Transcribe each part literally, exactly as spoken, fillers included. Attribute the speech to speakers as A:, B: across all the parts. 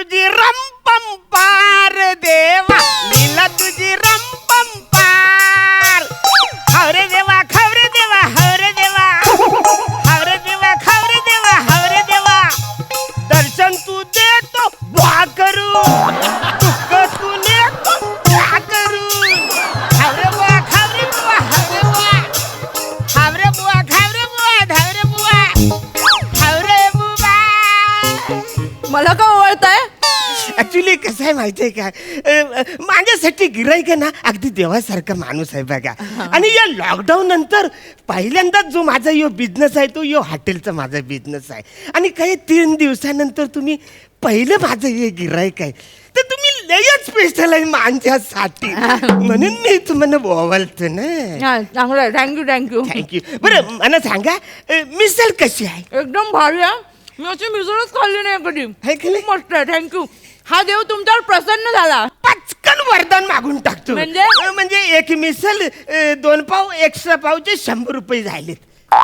A: तुझी रंपम पार देवा, लीला तुझी रंपम पार. हवरे देवा खवरे देवा हवरे देवा, हवरे देवा खवरे देवा हवरे देवा. दर्शन तू देतो बुवा करून, दुःख तू नेतो बुवा करून. हवरे बुवा खवरे बुवा हवरे बुवा, हवरे बुवा खवरे बुवा धावरे बुवा, हवरे बुवा.
B: मला का ओळखताय?
A: ऍक्च्युली कसं आहे माहितीये का, माझ्यासाठी गिराईक आहे ना अगदी देवासारखा माणूस आहे बघा. आणि या लॉकडाऊन नंतर पहिल्यांदाच जो माझा यो बिझनेस आहे तो यो हॉटेलचा माझा बिझनेस आहे. आणि काही तीन दिवसानंतर तुम्ही पहिलं माझं हे गिराईक आहे, तर तुम्ही लयच स्पेशल आहे माझ्यासाठी, म्हणून मी तुम्हाला बोलतो ना.
B: चांगलं थँक्यू थँक्यू
A: थँक्यू. बरं मला सांगा मिसळ कशी आहे?
B: एकदम भारी आहे. मी अशी मिसळच खाल्ली नाही कधी.
A: आहे की नाही?
B: खूप मस्त आहे. थँक्यू. हा देव तुमच्यावर प्रसन्न झाला.
A: पचकन वरदान मागून टाकतो.
B: म्हणजे?
A: अ, म्हणजे एक मिसल अ, दोन पाव एक्स्ट्रा पावचे शंभर रुपये झालेत.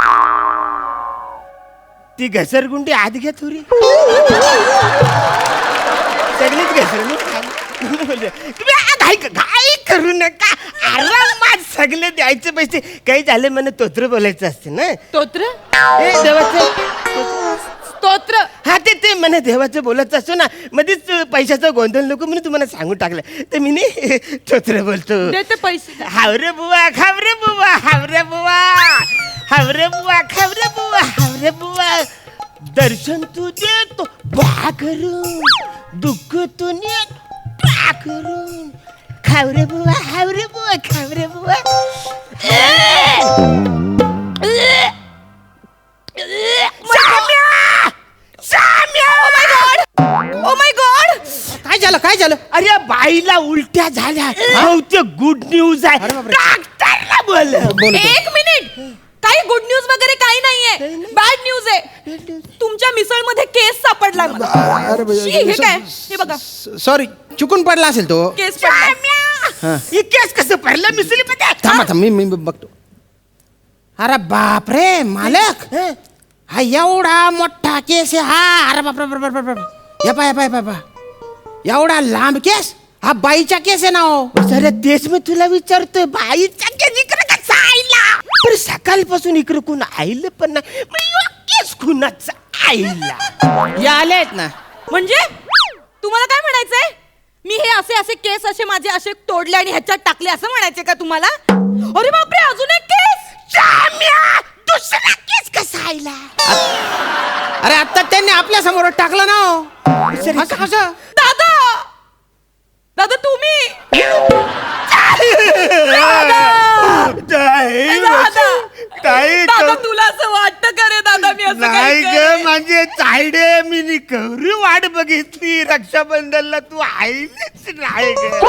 A: ती घसरगुंडी आत घ्या थोडी. सगळीच घसरगुंडी तुम्ही घाई घाई करू नका, आरामात सगळे द्यायचे पैसे. काही झाले मला तोत्र बोलायचं असते ना.
B: स्तोत्र
A: ए देवाचं
B: स्तोत्र
A: हा ते ते म्हणे देवाचं बोलत असतो ना, मध्येच पैशाचा गोंधळ नको म्हणून तुम्हाला सांगून टाकलं, तर मी नाही तोत्र बोलतो.
B: देते पैसे.
A: हावरे बुवा खावरे बुवा हावरे बुवा, हावरे बुवा खावरे बुवा हावरे बुवा. दर्शन तू देतो बा करून, दुःख तू नेत बा करून. खावरे बुवा हावरे बुवा खावरे बुवा.
B: Oh my God.
C: काय झालं काय झालं?
A: अरे बाईला उलट्या झाल्या. बहुतेक गुड न्यूज आहे.
C: अरे बापरे.
A: डॉक्टरला बोल.
B: एक मिनिट. काही गुड न्यूज वगैरे काही नाहीये. बॅड न्यूज आहे. तुमच्या मिसळ मध्ये केस सापडला मला.
C: अरे
B: शी, हे काय? हे बघा.
C: सॉरी चुकून पडला असेल तो.
B: केस पडला.
A: ही केस कसं पडलं मिसळीमध्ये?
C: थांबा थांब मी मी बघतो. अरे बाप रे मालक, हा एवढा मोठा केस आहे हा. अरे बाप रे बाप रे बाप. या पा या पा या पा एवढा लांब केस, हा बाईचा केस आहे ना हो.
A: सर तेच मी तुला विचारतोय, बाईचा केस इकडे कसा आईला? तर सकाळपासून इकडे कोण आईलं पण नाही, मग ह्यो केस कुणाचा आईला?
C: या आलेत ना.
B: म्हणजे तुम्हाला काय म्हणायचंय? मी हे असे असे केस असे माझे असे तोडले आणि ह्याच्यात टाकले असं म्हणायचे का तुम्हाला? अरे बापरे, अजून एक केस.
A: जाम्या, दुसरा केस कसा आईला?
C: अरे आता त्यांनी आपल्या समोर टाकलं ना हो. असं कसं?
B: दादा दादा तुम्ही
A: काही
B: दादा तुला असं वाटतं का रे दादा मी असं
A: नाही
B: काही
A: ग
B: करेन?
A: म्हणजे चायडे मी कवरी वाट बघितली रक्षाबंधनला, तू आईलीच नाही ग.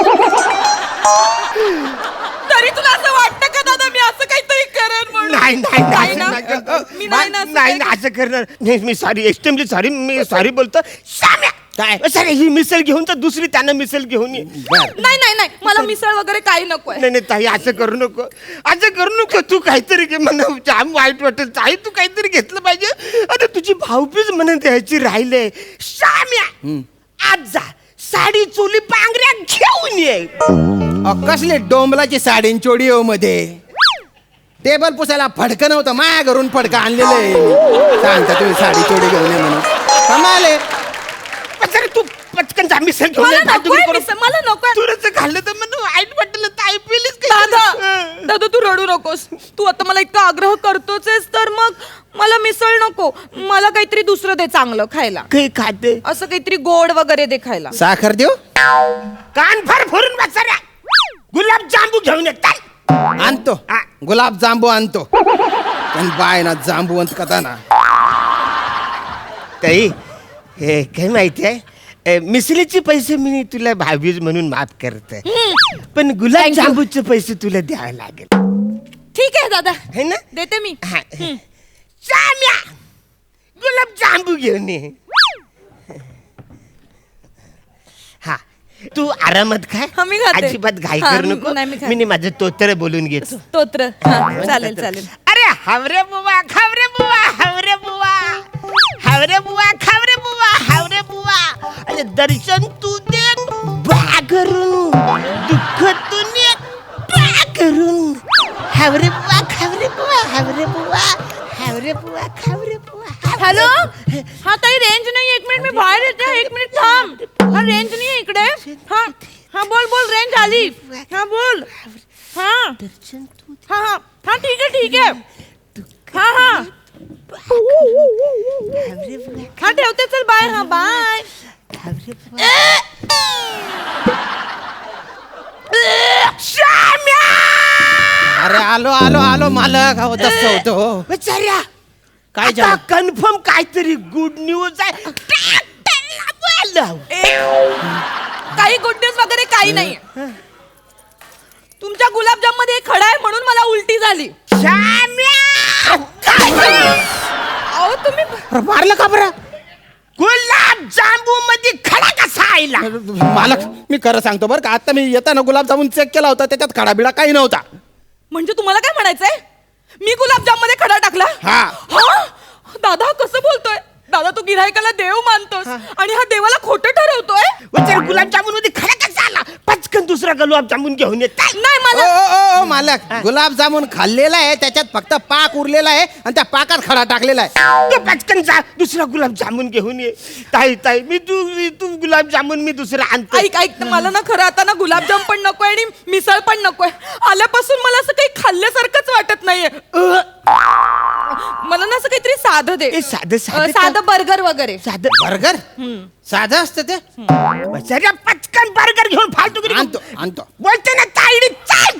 B: तरी तुला असं वाटतं का दादा मी असं काहीतरी करेन म्हणून?
A: नाही नाही
B: नाही
A: नाही,
B: ना?
A: नाही, नाही,
B: मी नाही ना असं
A: नाही
B: काही-
A: असं करणार नाही. मी सॉरी, एक्स्ट्रीमली सॉरी, मी सॉरी बोलतो. श्याम्या काय सर ही मिसल घेऊन तर दुसरी त्यांना मिसल घेऊन ये.
B: नाही नाही नाही मला मिसळ वगैरे काही नकोय.
A: नाही नाही ताई असं करू नको, असं करू नको. तू काहीतरी घे, मला जाम वाईट वाटेल. ताई तू काहीतरी घेतलं पाहिजे. अरे तुझी भाऊबीज म्हणून द्यायची राहिले. श्याम्या आज जा साडी चोली पांघऱ्या घेऊन ये.
C: अ, कसले डोंबलाची साडी चोडी हो मध्ये. टेबल पुसायला फडकं नव्हतं, माया घरून फडकं आणलेलं आहे. सांगता तुम्ही साडी चोडी घेऊन ये म्हणून. कमाले.
A: सर तू पटकन जा मिसल घेऊन
B: मला
A: ये.
B: नकोय मिसळ, मला नकोय.
A: तुला खाल्लं तर मला वाईट वाटलं. ताई पिलीस
B: दादा दादा तू रडू नकोस. तू आता मला इतका आग्रह करतोच आहेस तर मग मला मिसळ नको. मला काहीतरी दुसरं दे चांगलं खायला.
A: काही खाते
B: असं काहीतरी गोड वगैरे दे खायला.
C: साखर देऊ?
A: कान फार फोडून बसऱ्या. गुलाब जांबू घेऊन ये. चल.
C: आणतो.
A: हा.
C: गुलाब जांबू आणतो. पण बाय ना जांबूवंत कथा ना.
A: ताई हे काय माहिती आहे, मिसळीचे पैसे मी तुला भावीज म्हणून माफ करते, पण गुलाब
B: Thank you.
A: जांबूचे पैसे तुला द्यावे लागेल.
B: ठीक आहे दादा,
A: है ना?
B: देते मी.
A: हा. श्याम्या गुलाब जांबू घेऊन ये. हा तू आरामात खाय.
B: हा, मी खाते.
A: अजिबात घाई
B: हा,
A: करू नको.
B: नाही, मी खाते.
A: मी माझं तोतर बोलून घेतो.
B: स्तोत्र. हा, चालेल चालेल.
A: अरे हावरे बुवा खावरे बुवा हावरे बुवा, हावरे बुवा खावरे बुवा हावरे बुवा. अरे अरे दर्शन तू दे बा करून, दुःख तू ने बा करून. हावरे बुवा खावरे बुवा हावरे बुवा हावरे बुवा खावरे बुवा.
B: हॅलो हा ताई रेंज नाही, एक मिनिट मी बाहेर येते, एक मिनिट थांब. हा रेंज नाही इकडे. हा हा बोल बोल, रेंज आली. हा बोल. हा
A: दर्शन तू
B: हा हा हा ठीक आहे ठीक आहे. हा हा
A: हावरे बुवा
B: हा ठेवते, चल बाय. हा बाय.
A: हावरे बुवा. श्याम्या
C: अरे आलो आलो आलो मालक. अहो तसं होतो.
A: बेचाऱ्या
C: काय
A: आता
C: झालं?
A: कन्फर्म काहीतरी गुड न्यूज आहे. ट्रॅक्टरला बोलव.
B: काही गुड न्यूज वगैरे काही नाही. तुमच्या गुलाबजाम मध्ये खडा आहे म्हणून मला उलटी झाली.
A: श्याम्या काय झालं?
B: अहो तुम्ही
C: अरे मारलं का बरं?
A: गुलाब जांबू मध्ये खडा कसा आयला?
C: मालक मी खरं सांगतो बरं का, आता मी येताना गुलाबजामुन चेक केला होता, त्याच्यात खडाबिडा काही नव्हता.
B: म्हणजे तुम्हाला काय म्हणायचंय? मी गुलाबजाम मध्ये खडा टाकला?
C: हा.
B: हा? दादा कसं बोलतोय? दादा तू गिऱ्हाईकाला देव मानतोस आणि हा देवाला खोटं ठरवतोय.
A: बेचारा गुलाबजामुन मध्ये खडा कसा आला? पटकन दुसरा गुलाबजामुन घेऊन येत.
B: नाही
C: ओ
B: मला
C: ओ ओ मालक, गुलाबजामुन खाल्लेला आहे, त्याच्यात फक्त पाक उरलेला आहे आणि त्या पाकात खडा टाकलेला आहे.
A: तू पटकन जा दुसरा गुलाबजामुन घेऊन ये. ताई ताई मी तू मी- तू गुलाबजामुन मी दुसरा आणतो.
B: ऐक ऐक मला ना खरं आता ना गुलाबजाम पण नकोय आणि मिसळ पण नकोय. आल्यापासून मला असं काही खाल्ल्यासारखंच वाटत नाहीये. अ, मला ना असं काहीतरी साधं दे.
A: ए, साधं- साधं
B: अ, साधं बर्गर वगैरे.
A: साधं
C: बर्गर साधं असतं ते.
A: बेचारा पटकन बर्गर घेऊन फालतू करी
C: आणतो आणतो.
A: बोलते ना ताईडी चाल.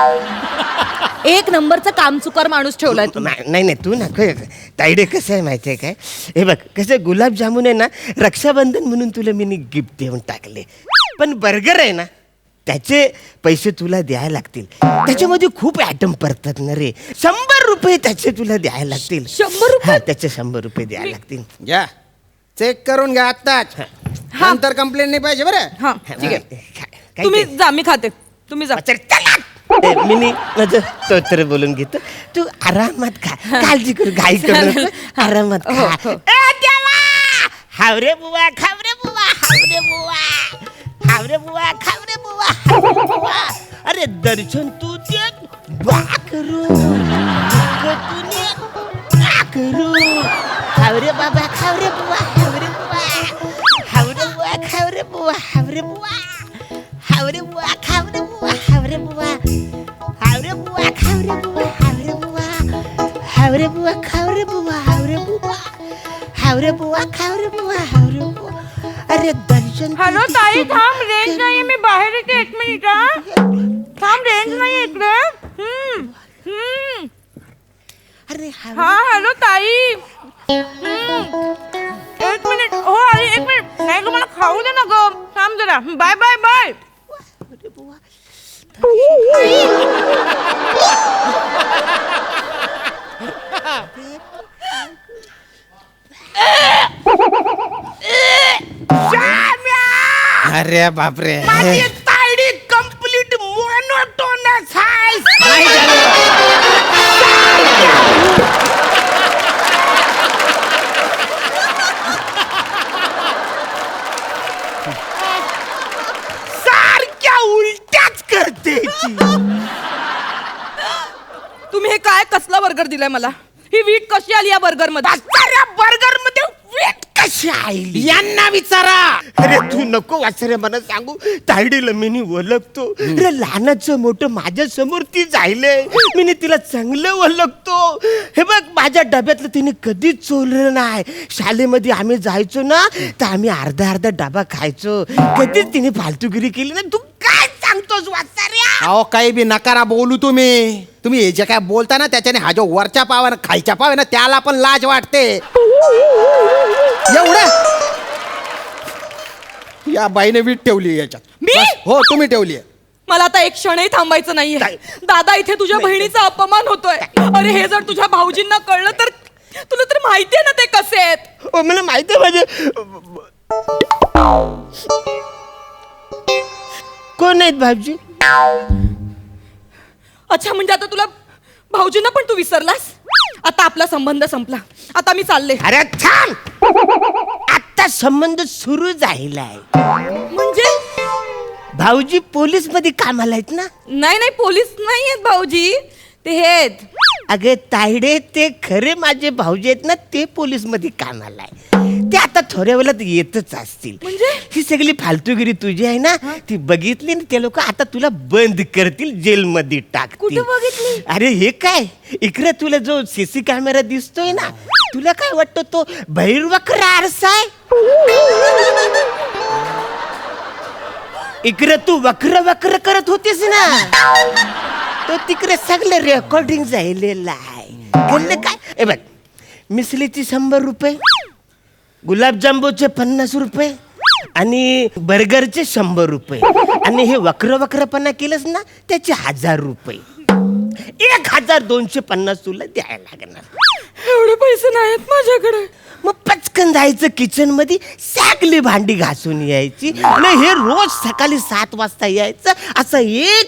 B: एक नंबरचा कामचुकार माणूस ठेवलाय तू.
A: नाही नाही नाही, तू नको. ताईडे कसं आहे माहिती आहे काय? हे बघ कसं गुलाबजामुन आहे ना, रक्षाबंधन म्हणून तुला मी गिफ्ट देऊन टाकले. पण बर्गर आहे ना, त्याचे पैसे तुला द्यायला लागतील. त्याच्यामध्ये खूप ॲटम पडतात ना रे. शंभर रुपये त्याचे तुला द्यायला लागतील.
B: शंभर रुपये?
A: हा, त्याचे शंभर रुपये द्यायला लागतील.
C: घ्या चेक करून घ्या आत्ताच. नंतर कंप्लेंट नाही पाहिजे बरं.
B: हा ठीक आहे.
A: काय- काय
B: तुम्ही
A: ते?
B: जा, मी खाते. तुम्ही जा.
A: चल, चला. ए, मिनी माझं तो तर बोलून घेतो. तू आरामात खा, काळजी करू, घाई करू
B: चालेल.
A: नको. आरामात
B: हो,
A: खा.
B: हो.
A: ए, देवा! हावरे बुवा खावरे बुवा हावरे बुवा हावरे बुवा खावरे बुवा हावरे बुवा. अरे दर्शन तू दे बा करू, तू ने बा करू. हावरे बाबा खावरे बुवा हावरे बुवा हावरे बुवा खावरे बुवा हावरे बुवा हावरे बुवा खावरे बुवा हावरे बुवा हावरे बुवा खावरे बुवा हावरे बुवा हावरे बुवा खावरे बुवा हावरे बुवा हावरे बुवा खावरे बुवा हावरे बुवा. अरे दर्शन
B: हॅलो ताई थांब, रेंज नाहीये, मी बाहेर येते. एक मिनिट हा. थांब, रेंज नाही इकडे. हम्म हम्म
A: अरे
B: हा हॅलो ताई. हम्म. एक मिनिट. हो आली, एक मिनिट. नाही ग मला खाऊ दे ना ग. थांब जरा. Bye bye bye.
A: हावरे बुवा.
C: अरे बापरे.
A: माझी तायडी कंप्लीट मोनोटोनस आहे.
C: काय झालं?
A: सारख्या उलट्याच करते ती.
B: तुम्ही हे काय कसला बर्गर दिलाय मला? ही वीट कशी आली या बर्गर मध्ये?
A: बर्गर मध्ये वीट कशी आली?
C: यांना विचारा.
A: अरे तू नको वाचरे मला सांगू. तायडीला मी ओळखतो. अरे लहानाचं मोठं माझ्या समोर ती जायले. मी तिला चांगलं ओळखतो. हे बघ माझ्या डब्यातलं तिने कधीच चोरलं नाही. शाळेमध्ये आम्ही जायचो ना, तर आम्ही अर्धा अर्धा डबा खायचो. कधीच तिने फालतूगिरी केली ना. तू काय सांगतोस वाचाऱ्या?
C: अहो काही बी नकारा बोलू तुम्ही. तुम्ही हे जे काय बोलता ना, त्याच्याने हा जो वरच्या पाव आहे ना, खायच्या पाव आहे ना, त्याला पण लाज वाटते. एवढं या बाईने वीट ठेवली याच्यात.
B: मी?
C: बस, हो तुम्ही ठेवली.
B: मला आता एक क्षणही थांबायचं नाहीये.
A: काय?
B: दादा इथे तुझ्या बहिणीचा अपमान होतोय. अरे हे जर तुझ्या भाऊजींना कळलं तर, तुला तर माहितीये ना ते कसे आहेत.
A: ओ, मला माहिती आहे माझे कोण आहेत भाऊजी?
B: अच्छा म्हणजे आता तुला भाऊजींना पण तू विसरलास? आता आपला संबंध संपला. आता मी चालले.
A: अरे थांब. आता आमचा संबंध सुरू झालाय.
B: म्हणजे
A: भाऊजी पोलीस मध्ये कामाला आहेत ना.
B: नाही नाही पोलीस नाही आहेत भाऊजी, ते हे आहेत.
A: अगं तायडे, ते खरे माझे भाऊजी आहेत ना, ते पोलीस मध्ये कामाला आहे. ते आता थोड्या वेळात येतच असतील.
B: म्हणजे?
A: ही सगळी फालतूगिरी तुझी आहे ना, ती बघितली ना ते लोक आता तुला बंद करतील, जेलमध्ये टाकतील.
B: कुठं बघितली?
A: अरे हे काय, इकडे तुला जो सीसी कॅमेरा दिसतोय ना, तुला काय वाटतं तो भैरवक्र आरसा आहे? इकडे तू वक्र वक्र करत होतीस ना, तो तिकडे सगळं रेकॉर्डिंग झालेलं आहे. बोलले काय, ए बघ, मिसलीची शंभर रुपये, गुलाबजांबूचे पन्नास रुपये आणि बर्गरचे शंभर रुपये आणि हे वक्र वक्रपणा केलंस ना त्याचे हजार रुपये. एक हजार दोनशे पन्नास तुला द्यायला लागणार.
B: एवढे पैसे नाहीत माझ्याकडे.
A: मग पटकन जायचं किचन मध्ये, सगळी भांडी घासून यायची आणि हे रोज सकाळी सात वाजता यायचं, असं एक